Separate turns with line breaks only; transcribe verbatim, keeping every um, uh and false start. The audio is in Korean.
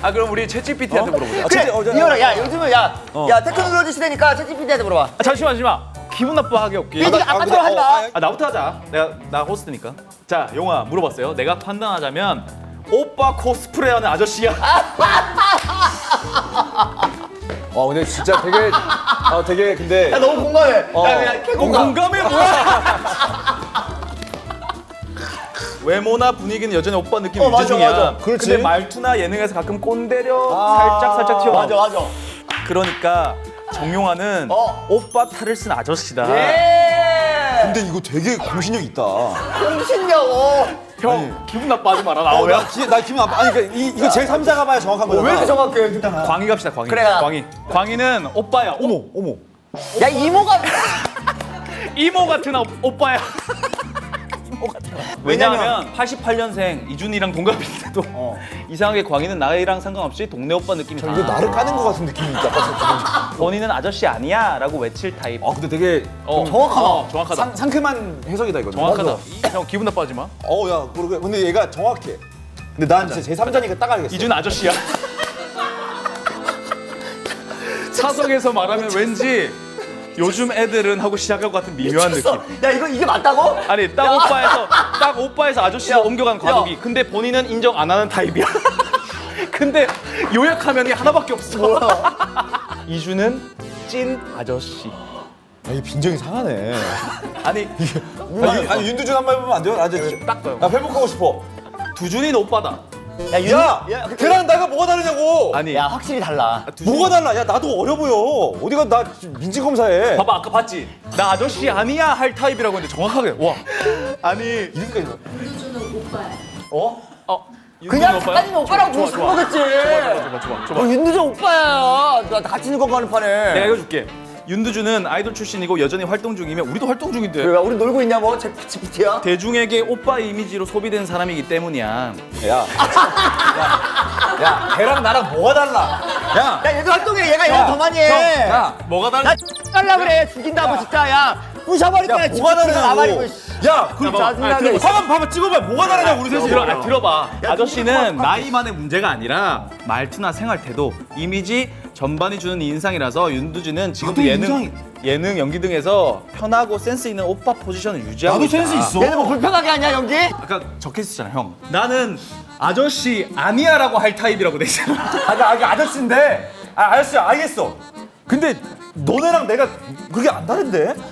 아 그럼 우리 챗지피티한테 물어보자.
그래,
어, 저-
이현아, 야 요즘은 야,
어.
야 테크놀로지 시대니까 챗지피티한테 물어봐.
아, 잠시만 잠시만. 기분 나빠하게 없기.
얘들아,
아,
아까처럼 하지
근데,
마.
어, 아,
아 나부터 하자. 내가 나 호스트니까. 자 용아 물어봤어요. 내가 판단하자면 오빠 코스프레하는 아저씨야.
와 근데 진짜 되게 아 되게 근데
야 너무 공감해.
어.
야, 야, 개 공감.
공감해 뭐야? 외모나 분위기는 여전히 오빠 느낌
어,
유지
맞아,
중이야.
맞아.
그렇지.
근데 말투나 예능에서 가끔 꼰대려
아,
살짝 살짝 튀어.
맞아, 맞아.
그러니까 정용화는
어.
오빠 탈을 쓴 아저씨다.
예.
근데 이거 되게 공신력 있다.
공신력. 어.
형 기분 나빠하지 마라
어,
나오면.
나, 기, 나 기분 나빠. 아니 그러니까 이, 이거 제일 삼자가 봐야 정확한 거잖아.
왜 이렇게 정확해?
광희 갑시다 광희.
그래, 가.
광희. 광희는 오빠야.
어머 어머.
야 이모가.
이모 같은 오, 오빠야. 왜냐면 팔십팔 년생 이준이랑 동갑인데도
어.
이상하게 광희는 나이랑 상관없이 동네 오빠 느낌이
이거
나.
나를 까는 것 같은 느낌이 있다.
본인은 아저씨 아니야 라고 외칠 타입.
아 근데 되게
어,
정확하다.
어, 정확하다.
상, 상큼한 해석이다 이거.
정확하다. 이- 형 기분 나빠하지 마.
어야 그러게. 근데 얘가 정확해. 근데 난 진짜 제 삼자니까 딱 알겠어.
이준 아저씨야. 사석에서 말하면 왠지 요즘 애들은 하고 시작할 것 같은 미묘한 느낌.
야 이거 이게 맞다고?
아니 딱
야.
오빠에서 딱 오빠에서 아저씨로
야,
옮겨간 과도기.
야.
근데 본인은 인정 안 하는 타입이야. 근데 요약하면 이 하나밖에 없어. 이준은 찐 아저씨.
아, 이 빈정이 상하네.
아니
아니, 아니 윤두준 한 말 보면 안 돼요? 나 이제
딱 봐요.
나 회복하고 싶어.
두준이는 오빠다.
야 윤.
야,
야,
걔랑 나가 뭐가 다르냐고.
아니
야 확실히 달라.
두준이-
뭐가 달라? 야 나도 어려 보여. 어디가 나 민지 검사해.
봐봐 아까 봤지? 나 아저씨 아니야 할 타입이라고 했는데 정확하게 와. 아니
이렇게까지.
어? 어?
그냥
윤두준 오빠야?
작가님이 오빠라고
좋아,
부르신
좋아,
거겠지.
좋아 좋아 좋아.
너 윤두정 오빠야. 나 같이 늙어가는 판에.
내가 읽어줄게. 윤두준은 아이돌 출신이고 여전히 활동 중이며 우리도 활동 중인데
왜 우리 놀고 있냐 뭐? 챗지피티야?
대중에게 오빠 이미지로 소비된 사람이기 때문이야.
야, 야, 야, 걔랑 나랑 뭐가 달라? 야,
야 얘도 활동해. 얘가 영어 더 많이 해.
야,
뭐가
나
다른?
달라 그래. 죽인다고 진짜. 야 부셔버릴 거야.
야, 뭐가 다르냐고. 야, 그
짜증나게.
화면 봐봐, 찍어봐. 뭐가 다르냐고 우리 셋이.
들어, 아, 들어봐. 아저씨는 나이만의 문제가 아니라 말투나 생활 태도, 이미지 전반이 주는 인상이라서 윤두준은 지금도
나도
예능,
인상이-
예능, 연기 등에서 편하고 센스 있는 오빠 포지션을 유지하고
나도
있다.
센스 있어.
얘는 뭐 불편하게 하냐 연기?
아까 적혀 있었잖아, 형. 나는 아저씨 아니야라고 할 타입이라고 돼 있잖아.
아, 나 아기 아저씨인데. 아, 아저씨 알겠어. 근데 너네랑 내가 그게 안 다른데?